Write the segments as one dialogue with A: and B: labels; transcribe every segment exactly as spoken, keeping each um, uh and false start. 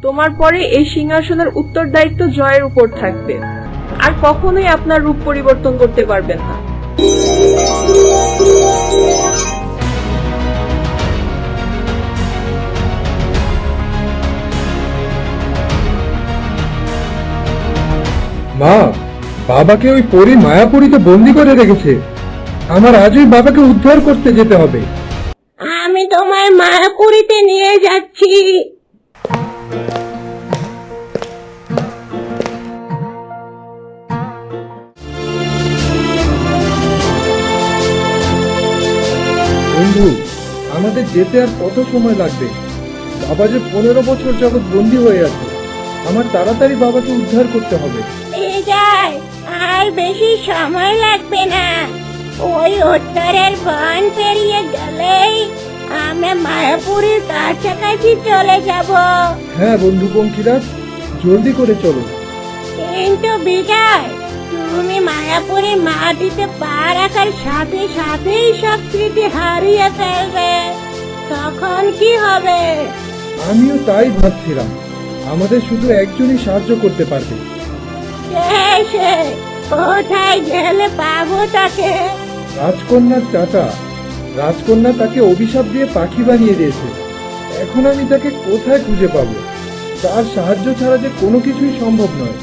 A: তোমার পরে এই সিংহাসনের উত্তরদায়িত্ব জয়ের উপর থাকবে, আর কখনোই আপনার রূপ পরিবর্তন করতে পারবেন না।
B: মা, বাবাকে ওই পরী মায়াপুরীতে বন্দি করে রেখেছে। আমার আজই বাবাকে উদ্ধার করতে যেতে হবে।
C: আমি তোমায় মায়াপুরীতে নিয়ে যাচ্ছি।
B: বন্ধু, আমাদের যেতে আর কত সময় লাগবে? বাবা যে পনেরো বছর যাবৎ বন্দী হয়ে আছে। আমার তাড়াতাড়ি বাবাকে উদ্ধার করতে হবে।
C: বিজয়, আর বেশি সময় লাগবে না। ওই উত্তরের বন পেরিয়ে গেলেই আমরা মায়াপুরীর কাছাকাছি চলে যাব।
B: হ্যাঁ বন্ধু পঙ্খিরাজ, জলদি করে চলো।
C: কিন্তু বিজয়, তুমি মায়াপুরীর মাটিতে পা রাখার সাথে সাথেই সব স্মৃতি হারিয়ে ফেলবে। তখন কি হবে?
B: আমিও তাই ভাবছিলাম। আমাদের শুধু একজনই সাহায্য করতে পারবে।
C: কে সে? কোথায় গেলে পাবো তাকে?
B: রাজকন্যার চাচা। রাজকন্যা তাকে অভিশাপ দিয়ে পাখি বানিয়ে দিয়েছে। এখন আমি তাকে কোথায় খুঁজে পাবো? তার সাহায্য ছাড়া যে কোনো কিছুই সম্ভব নয়।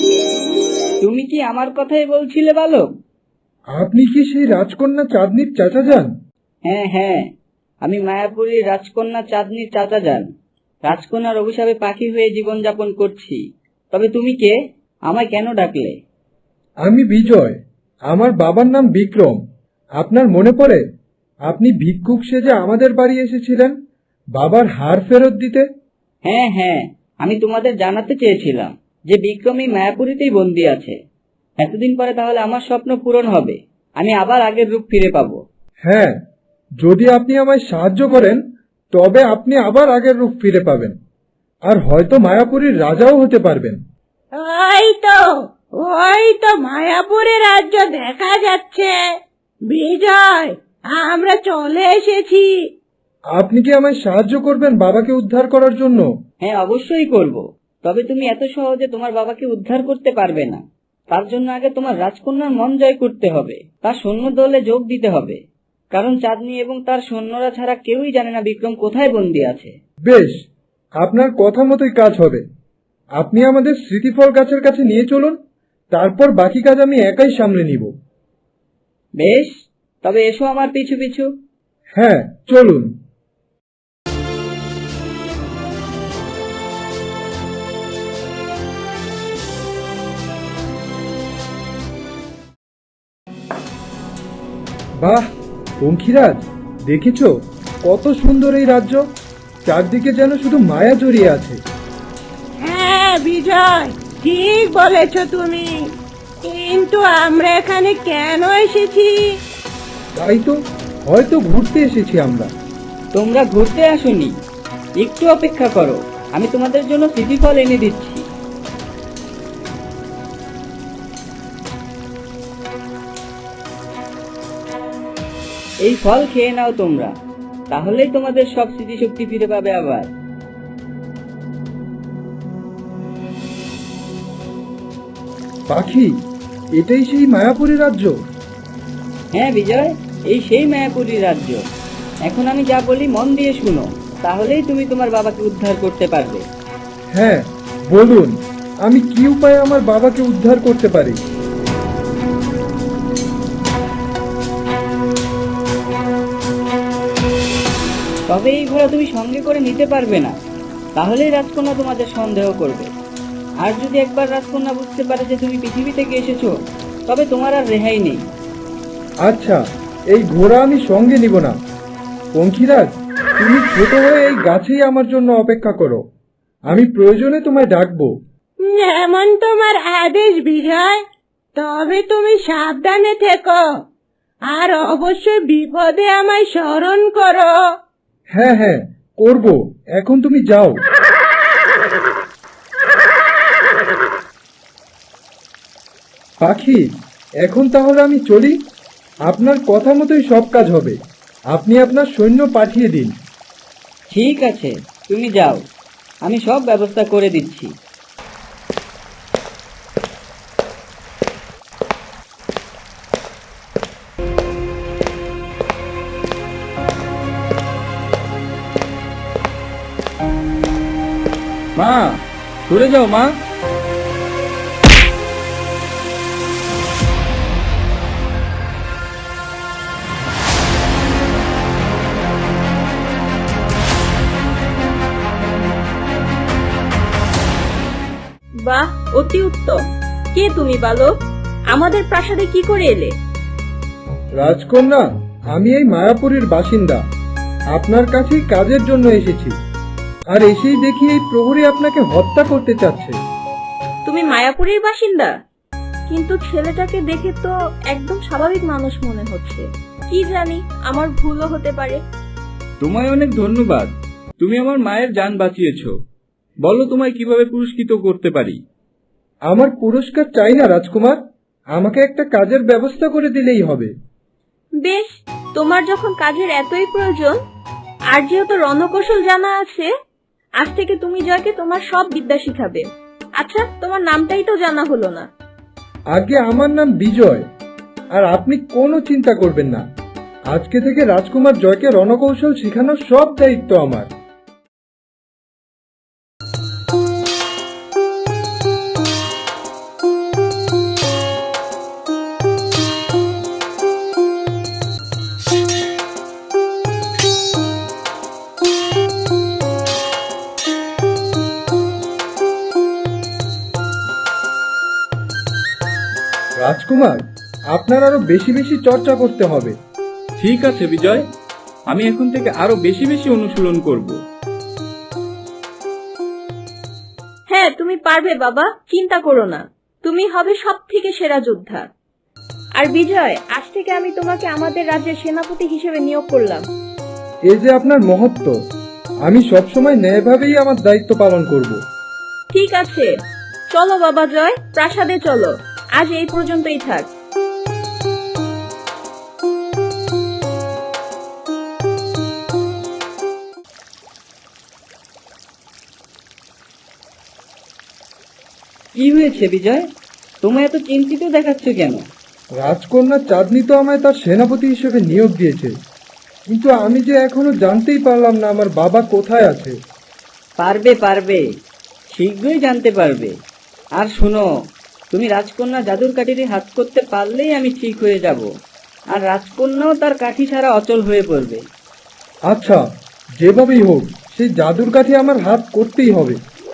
D: তুমি কি আমার কথাই বলছিলে বালক?
B: আপনি কি সেই রাজকন্যা চাঁদনির চাচা যান?
D: হ্যাঁ হ্যাঁ, আমি মায়াপুরীর রাজকন্যা চাঁদনির চাচা যান। রাজকন্যার অভিশাপে পাখি হয়ে জীবনযাপন করছি। তবে তুমি কে? আমায় কেন ডাকলে?
B: আমি বিজয়। আমার বাবার নাম বিক্রম। আপনার মনে পড়ে? আপনি ভিক্ষুক সেজে আমাদের বাড়ি এসেছিলেন বাবার হার ফেরত দিতে।
D: হ্যাঁ হ্যাঁ, আমি তোমাদের জানাতে চেয়েছিলাম যে বিক্রমী মায়াপুরীতেই বন্দী আছে। এতদিন পরে তাহলে আমার স্বপ্ন পূরণ হবে। আমি আবার আগের রূপ ফিরে পাবো।
B: হ্যাঁ, যদি আপনি আমায় সাহায্য করেন তবে আপনি আবার আগের রূপ ফিরে পাবেন, আর হয়তো মায়াপুরীর রাজাও হতে পারবেন।
C: ওই তো ওই তো মায়াপুরের রাজ্য দেখা যাচ্ছে। বিজয়, আমরা চলে এসেছি।
B: আপনি কি আমায় সাহায্য করবেন বাবাকে উদ্ধার করার জন্য?
D: হ্যাঁ, অবশ্যই করব। তবে তুমি এত সহজে তোমার বাবাকে উদ্ধার করতে পারবে না। তার জন্য আগে তোমার রাজকন্যার মন জয় করতে হবে, তার সৈন্য দলে যোগ দিতে হবে। কারণ চাঁদনী এবং তার সৈন্যরা ছাড়া কেউই জানে না বিক্রম কোথায় বন্দী আছে।
B: বেশ, আপনার কথা মতোই কাজ হবে। আপনি আমাদের স্মৃতিফল গাছের কাছে নিয়ে চলুন, তারপর বাকি কাজ আমি একাই সামলে নিব।
D: বেশ, তবে এসো আমার পিছু পিছু।
B: হ্যাঁ, চলুন। বাহ পঙ্খিরাজ, দেখেছো কত সুন্দর এই রাজ্য? চারদিকে যেন শুধু মায়া জড়িয়ে আছে।
C: হ্যাঁ বিজয়, ঠিক বলেছ তুমি। কিন্তু আমরা এখানে কেন এসেছি?
B: তাই তো, হয়তো ঘুরতে এসেছি আমরা।
D: তোমরা ঘুরতে আসোনি, একটু অপেক্ষা করো, আমি তোমাদের জন্য স্মৃতিফল এনে দিচ্ছি। এই ফল খেয়ে নাও তোমরা, তাহলেই তোমাদের সব স্মৃতিশক্তি ফিরে পাবে আবার।
B: পাখি, এটাই সেই মায়াপুরী রাজ্য?
D: হ্যাঁ বিজয়, এই সেই মায়াপুরী রাজ্য। এখন আমি যা বলি মন দিয়ে শুনো, তাহলেই তুমি তোমার বাবাকে উদ্ধার করতে পারবে।
B: হ্যাঁ বলুন, আমি কি উপায়ে আমার বাবাকে উদ্ধার করতে পারি?
D: তবে এই ঘোড়া তুমি সঙ্গে করে নিতে পারবে না, তাহলেই রাজকন্যা তোমাদের সন্দেহ করবে। আর যদি একবার রাজকন্যা বুঝতে পারে যে তুমি পৃথিবী থেকে এসেছো, তবে তোমার আর রেহাই নেই।
B: আচ্ছা, এই ঘোড়া আমি সঙ্গে নিব না। পঙ্খিরাজ, তুমি ছোট হয়ে এই গাছেই আমার জন্য অপেক্ষা করো। আমি প্রয়োজনে তোমায় ডাকবো।
C: যেমন তোমার আদেশ বিজয়। তবে তুমি সাবধানে থেকো, আর অবশ্যই বিপদে আমায় স্মরণ করো।
B: হ্যাঁ হ্যাঁ করব, এখন তুমি যাও। পাখি, এখন তাহলে আমি চলি। আপনার কথা মতোই সব কাজ হবে। আপনি আপনার সৈন্য পাঠিয়ে দিন।
D: ঠিক আছে, তুমি যাও। আমি সব ব্যবস্থা করে দিচ্ছি।
B: মা, সরে যাও মা।
A: বাহ, অতি উত্তম। কে তুমি বালক? আমাদের প্রাসাদে কি করে এলে?
B: রাজকন্যা, আমি এই মায়াপুরীর বাসিন্দা। আপনার কাছেই কাজের জন্য এসেছি। আর এসেই দেখি এই প্রহরী আপনাকে হত্যা করতে চাচ্ছে।
A: তুমি মায়াপুরীর বাসিন্দা? কিন্তু ছেলেটাকে দেখে তো একদম স্বাভাবিক মানুষ মনে হচ্ছে। কি জানি, আমার ভুলও হতে পারে।
E: তোমায় অনেক ধন্যবাদ। তুমি আমার মায়ের জান বাঁচিয়েছো। বলো, তোমায় কিভাবে পুরস্কৃত করতে পারি?
B: আমার পুরস্কার চাই না রাজকুমার, আমাকে একটা কাজের ব্যবস্থা করে দিলেই হবে।
A: বেশ, তোমার যখন কাজের এতই প্রয়োজন, আর যেহেতু রণকৌশল জানা আছে, আজ থেকে তুমি জয়কে তোমার সব বিদ্যা শিখাবে। আচ্ছা, তোমার নামটাই তো জানা হলো না।
B: আগে আমার নাম বিজয়। আর আপনি কোনো চিন্তা করবেন না, আজকে থেকে রাজকুমার জয়কে রণকৌশল শেখানোর সব দায়িত্ব আমার। রাজকুমার, আপনার আরো বেশি বেশি চর্চা করতে হবে।
E: ঠিক আছে বিজয়, আমি এখন থেকে আরো বেশি বেশি অনুশীলন করব।
A: হ্যাঁ, তুমি পারবে বাবা, চিন্তা করো না। তুমি হবে সব থেকে সেরা যোদ্ধা। আর বিজয়, আজ থেকে আমি তোমাকে আমাদের রাজ্যের সেনাপতি হিসেবে নিয়োগ করলাম।
B: এই যে আপনার মহত্ব, আমি সবসময় ন্যায়ভাবেই আমার দায়িত্ব পালন করব।
A: ঠিক আছে, চলো বাবা জয়, প্রাসাদে চলো। আজ এই পর্যন্তই থাক।
D: কি হয়েছে বিজয়? তোমায় এত চিন্তিত দেখাচ্ছ কেন?
B: রাজকন্যা চাঁদনি তো আমায় তার সেনাপতি হিসেবে নিয়োগ দিয়েছে, কিন্তু আমি যে এখনো জানতেই পারলাম না আমার বাবা কোথায় আছে।
D: পারবে পারবে, শীঘ্রই জানতে পারবে। আর শোনো, তুমি রাজকন্যা জাদুর কাঠিটি হাত করতে পারলেই আমি ঠিক হয়ে যাব, আর রাজকন্যাও তার কাঠি ছাড়া অচল হয়ে পড়বে।
B: আচ্ছা, যেভাবেই হোক সেই জাদুর কাঠি আমার হাত করতেই হবে।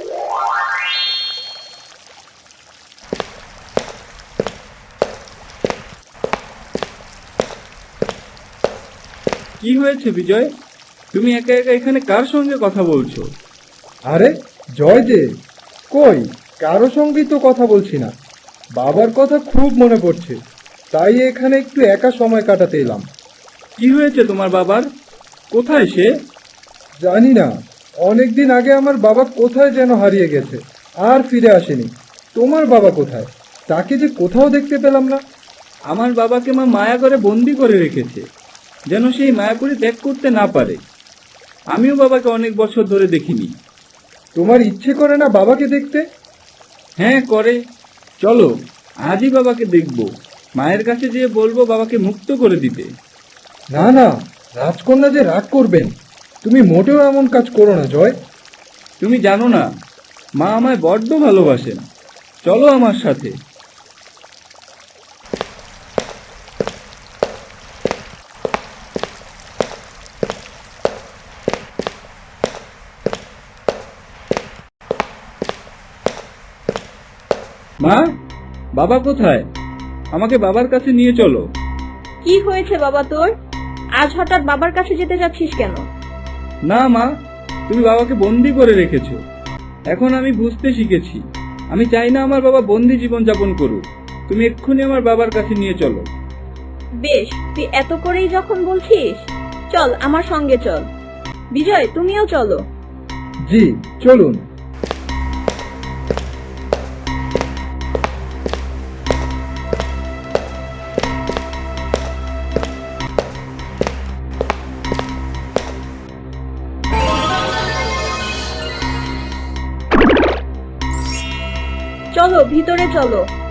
E: কি হয়েছে বিজয়? তুমি একা একা এখানে কার সঙ্গে কথা বলছো?
B: আরে জয় যে, কই কারো সঙ্গেই তো কথা বলছি না। বাবার কথা খুব মনে পড়ছে, তাই এখানে একটু একা সময় কাটাতে এলাম।
E: কি হয়েছে তোমার বাবার? কোথায় সে?
B: জানি না, অনেকদিন আগে আমার বাবা কোথায় যেন হারিয়ে গেছে, আর ফিরে আসেনি। তোমার বাবা কোথায়? তাকে যে কোথাও দেখতে পেলাম না।
E: আমার বাবাকে মা মায়া করে বন্দি করে রেখেছে, যেন সেই মায়াপুরি ত্যাগ করতে না পারে। আমিও বাবাকে অনেক বছর ধরে দেখিনি।
B: তোমার ইচ্ছে করে না বাবাকে দেখতে?
E: হ্যাঁ করে। চলো আজই বাবাকে দেখব। মায়ের কাছে যেয়ে বলবো বাবাকে মুক্ত করে দিতে।
B: না না, রাজকন্যা যে রাগ করবেন। তুমি মোটেও এমন কাজ করো না জয়।
E: তুমি জানো না, মা আমায় বড্ড ভালোবাসেন। চলো আমার সাথে। মা, বাবা কোথায়? আমাকে বাবার কাছে নিয়ে চলো।
A: কি হয়েছে বাবা তোর? আজ হঠাৎ বাবার কাছে যেতে যাচ্ছিস কেন?
E: না মা, তুমি বাবাকে বন্দি করে রেখেছো। এখন আমি বুঝতে শিখেছি, আমি চাই না আমার বাবা বন্দি জীবন যাপন করুক। তুমি এক্ষুনি আমার বাবার কাছে নিয়ে চলো।
A: বেশ, তুই এত করেই যখন বলছিস, চল আমার সঙ্গে চল। বিজয়, তুমিও চলো।
B: জি চলুন।
A: চলো ভিতরে চলো।